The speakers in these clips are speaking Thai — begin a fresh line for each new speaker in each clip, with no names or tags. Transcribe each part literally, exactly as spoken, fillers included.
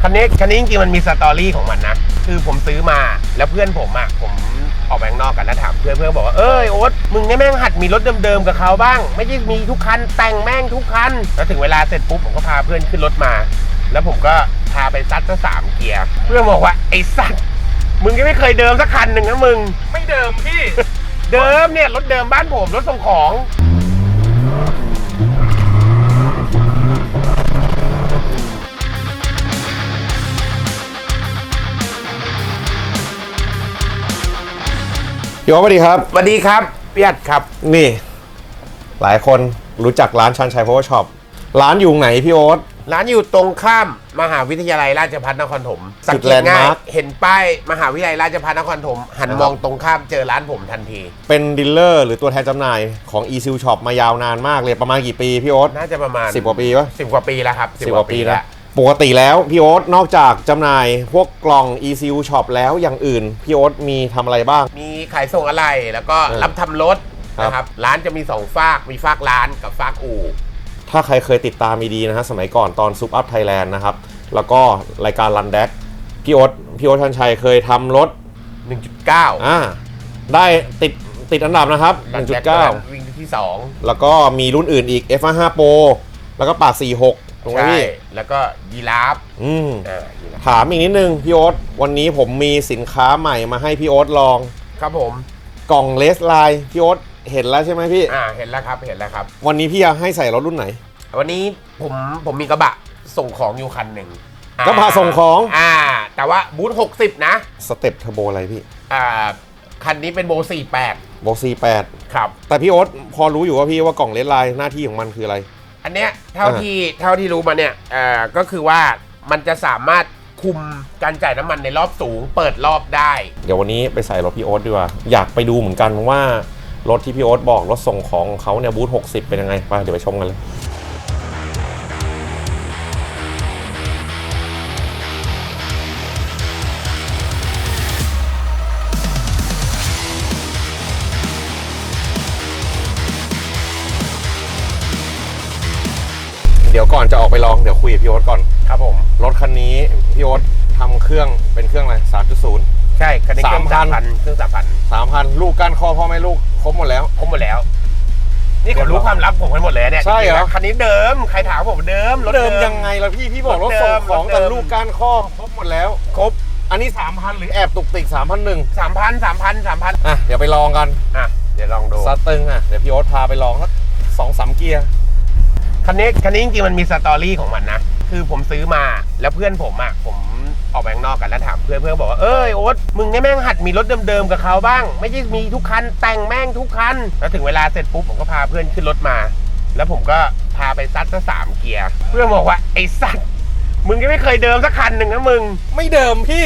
คันนี้คันนี้จริงๆมันมีสตอรี่ของมันนะคือผมซื้อมาแล้วเพื่อนผมอ่ะผมออกไปข้างนอกกันแล้วถามเพื่อนเพื่อนบอกว่าเอ้ยโอ๊ตมึงเนี่ยแม่งหัดมีรถเดิมๆกับเขาบ้างไม่ใช่มีทุกคันแต่งแม่งทุกคันแล้วถึงเวลาเสร็จปุ๊บผมก็พาเพื่อนขึ้นรถมาแล้วผมก็พาไปซัดซะสามเกียร์เพื่อนบอกว่าไอ้สัตว์มึงยังไม่เคยเดิมสักคันหนึ่งนะมึง
ไม่เดิมพี่
เดิมเนี่ยรถเดิมบ้านผมรถส่งของ
พี่โอ๊ตสวัสดีครับ
สวัสดีครับพี่อัดครับ
นี่หลายคนรู้จักร้านชันชัย Power Shop ร้านอยู่ไหนพี่โอ๊ต
ร้านอยู่ตรงข้ามมหาวิทยาลัยราชภัฏนครถมสังเกตง่ายเห็นป้ายมหาวิทยาลัยราชภัฏนครถมหันมองตรงข้ามเจอร้านผมทันที
เป็นดีลเลอร์หรือตัวแทนจำหน่ายของ e-seal shop มายาวนานมากเลยประมาณกี่ปีพี่โอ๊ต
น่าจะประมาณ
สิบกว่าปีปะ
สิบกว่าปีแล้วครับ
สิบกว่าปีแล้วปกติแล้วพี่โอ๊ตนอกจากจำหน่ายพวกกล่อง e-seal shop แล้วอย่างอื่นพี่โอ๊ตมีทำอะไรบ้าง
มีขายส่งอะไรแล้วก็รับทำรถนะครับร้านจะมีสองฝากมีฝากร้านกับฝากอู่
ถ้าใครเคยติดตามมีดีนะฮะสมัยก่อนตอนซุปอัพไทยแลนด์นะครับแล้วก็รายการรันแดกพี่โอ๊ตพี่โอ๊ตชันชัยเคยทำรถ
หนึ่งจุดเก้า
อ่าได้ติดติดอันดับนะครับ หนึ่งจุดเก้า
วิ่งที่สอง
แล้วก็มีรุ่นอื่นอีก เอฟ ห้า Pro แล้วก็ปากสี่สิบหกตรงนี้
แล้วก็ยีราฟ
อืมถามอีกนิดนึงพี่โอ๊ตวันนี้ผมมีสินค้าใหม่มาให้พี่โอ๊ตลอง
ครับผม
กล่องเลสไลน์พี่โอ๊ตเห็นแล้วใช่ไหมพี่
อ่าเห็นแล้วครับเห็นแล้วครับ
วันนี้พี่อยากให้ใส่รถรุ่นไหน
วันนี้ผมผมมีกระบะส่งของอยู่คันหนึ่ง
กระบะส่งของ
อ่าแต่ว่าบูธหกสิบนะ
สเต็ปเทอร์โบอะไรพี่
อ่าคันนี้เป็นโบสี่สิบแปด
โบสี่สิบแปด
ครับ
แต่พี่โอ๊ตพอรู้อยู่ว่าพี่ว่ากล่องเลสไลน์หน้าที่ของมันคืออะไร
อันเนี้ยเท่าที่เท่าที่รู้มาเนี่ยอ่าก็คือว่ามันจะสามารถคุมการจ่ายน้ำมันในรอบสูงเปิดรอบได้
เดี๋ยววันนี้ไปใส่รถพี่โอ๊ตดีกว่าอยากไปดูเหมือนกันว่ารถที่พี่โอ๊ตบอกรถส่งของของเขาเนี่ยบูธหกสิบเป็นยังไงไปเดี๋ยวไปชมกันเลยเดี๋ยวก่อนจะออกไปลองเดี๋ยวคุยกับพี่โอ๊ตก่อน
ครับผม
รถคันนี้พี่โอ๊ตทำเครื่องเป็นเครื่องอะไร สามจุดศูนย์
ใช่คันนี้เครื่องสามพันเครื่องสามพัน
สามพันลูกก้านคอพ่อแม่ลูกครบหมดแล้ว
ครบหมดแล้วนี่เขารู้ความลับผมกันหมดเลยเนี่ย
ใช่เหรอ
คันนี้เดิมใครถามผมเดิม
รถเดิมยังไงล่ะพี่พี่บอกรถส่งของแต่ลูกก้านคอครบหมดแล้ว
ครบ
อันนี้ สามพัน หรือแอบตุกติก สามพันหนึ่ง
สามพัน สามพัน สามพัน
อ่ะเดี๋ยวไปลองกัน
อ่ะเดี๋ยวลองดู
สตึงอ่ะเดี๋ยวพี่โอ๊ตพาไปลองสัก สองสาม เกียร์
คันนี้คันนี้จริงๆมันมีสตอรี่ของมันนะคือผมซื้อมาแล้วเพื่อนผมอ่ะผมออกไปข้างนอกกันแล้วถามเพื่อนเพื่อนบอกว่าเอ้ยโอ๊ตมึงเนี่ยแม่งหัดมีรถเดิมๆกับเขาบ้างไม่ใช่มีทุกคันแต่งแม่งทุกคันแล้วถึงเวลาเสร็จปุ๊บผมก็พาเพื่อนขึ้นรถมาแล้วผมก็พาไปซัดซะสามเกียร์เพื่อนบอกว่าไอ้สัตว์มึงยังไม่เคยเดิมสักคันหนึ่งนะมึง
ไม่เดิมพี่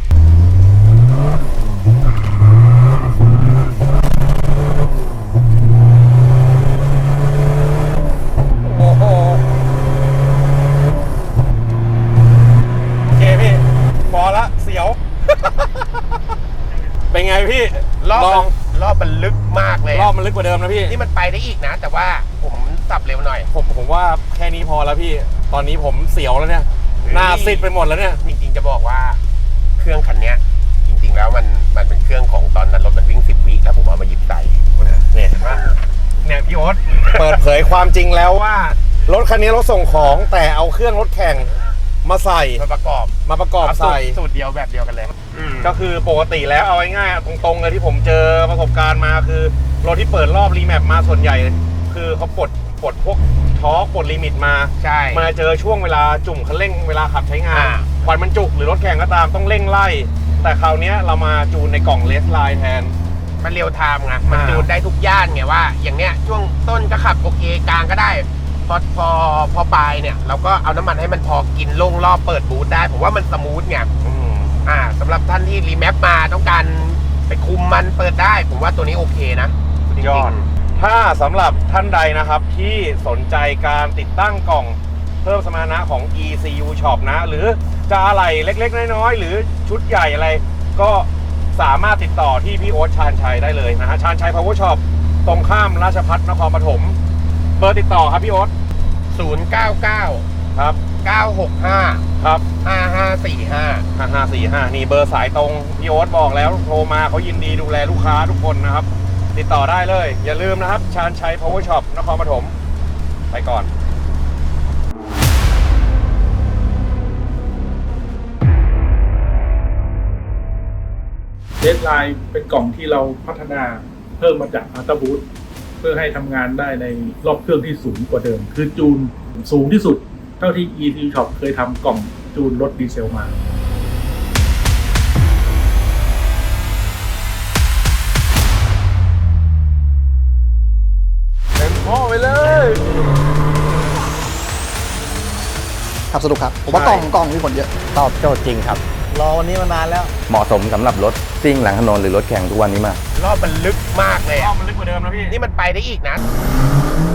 เป็นไงพี่
รอบรอบมันลึกมากเลย
รอบมันลึกกว่าเดิมนะพี่
นี่มันไปได้อีกนะแต่ว่าผมสับเร็วหน่อย
ผมผมว่าแค่นี้พอแล้วพี่ตอนนี้ผมเสียวแล้วเนี่ยหน้าซีดไปหมดแล้วเนี่ย
จริงๆจะบอกว่าเครื่องคันนี้จริงๆแล้วมันมันเป็นเครื่องของตอนนั้นรถมันวิ่งสิบวิแล้วผมเอามาหยิบใส่
เนี่ยเห็นว่าเนี่ยพี่โอ๊ตเปิดเผยความจริงแล้วว่ารถคันนี้รถส่งของแต่เอาเครื่องรถแข่งมาใส่
มาประกอบ
มาประกอบใส่
สูตรเดียวแบบเดียวกันเลย
ก็คือปกติแล้วเอาง่ายๆตรงๆเลยที่ผมเจอประสบการณ์มาคือรถที่เปิดรอบรีแมปมาส่วนใหญ่คือเขาปลดปลดพวกท็อร์กปลดลิมิตมา
ใช่
มาเจอช่วงเวลาจุ่มคันเร่งเวลาขับใช้งานควันมันจุกหรือรถแข่งก็ตามต้องเร่งไล่แต่คราวนี้เรามาจูนในกล่องเลสไลน์แทน
มันเรียวไทม์ไงมันจูนได้ทุกย่านไงว่าอย่างเนี้ยช่วงต้นก็ขับโอเคกลางก็ได้พอพอพอปลายเนี่ยเราก็เอาน้ำมันให้มันพอกินลงรอบเปิดบูทได้ผมว่ามันสมูทไงอ่าสำหรับท่านที่รีแมปมาต้องการไปคุมมันเปิดได้ผมว่าตัวนี้โอเคนะ
ยอดถ้าสำหรับท่านใดนะครับที่สนใจการติดตั้งกล่องเพิ่มสมรรถนะของ อี ซี ยู Shop นะหรือจะอะไรเล็กๆน้อยๆหรือชุดใหญ่อะไรก็สามารถติดต่อที่พี่โอ๊ตชาญชัยได้เลยนะฮะชาญชัย Power Shop ตรงข้ามราชภัฏนครปฐมเบอร์ติดต่อครับพี่โอ๊ต
ศูนย์ เก้า เก้า
ครับ
เก้าหกห้า
ครับ
ห้าห้าสี่ห้า
ห้าห้าสี่ห้านี่เบอร์สายตรงพี่โอ๊ตบอกแล้วโทรมาเขายินดีดูแลลูกค้าทุกคนนะครับ ติดต่อได้เลย อย่าลืมนะครับชาญชัย Power Shop นครปฐมไปก่อน
เดดไลน์เป็นกล่องที่เราพัฒนาเพิ่มมาจากอัลต a บูทเพื่อให้ทำงานได้ในรอบเครื่องที่สูงกว่าเดิม คือจูนสูงที่สุดเท่าที่ อี ซี Shop เคยทำกล่องจูนรถดีเซลมา
เต็มข้อไปเลย
ขับสนุกครับ ผมว่ากล่องกล่องมีผลเยอะ
ตอบโจทย์จริงครับ
รอวันนี้มานานแล้ว
เหมาะสมสำหรับรถซิ่งหลังถนนหรือรถแข่งทุกวันนี้มาก
รอบมันลึกมากเลย
รอ
อะ
บมันลึกกว่าเดิมนะพี่
นี่มันไปได้อีกนะ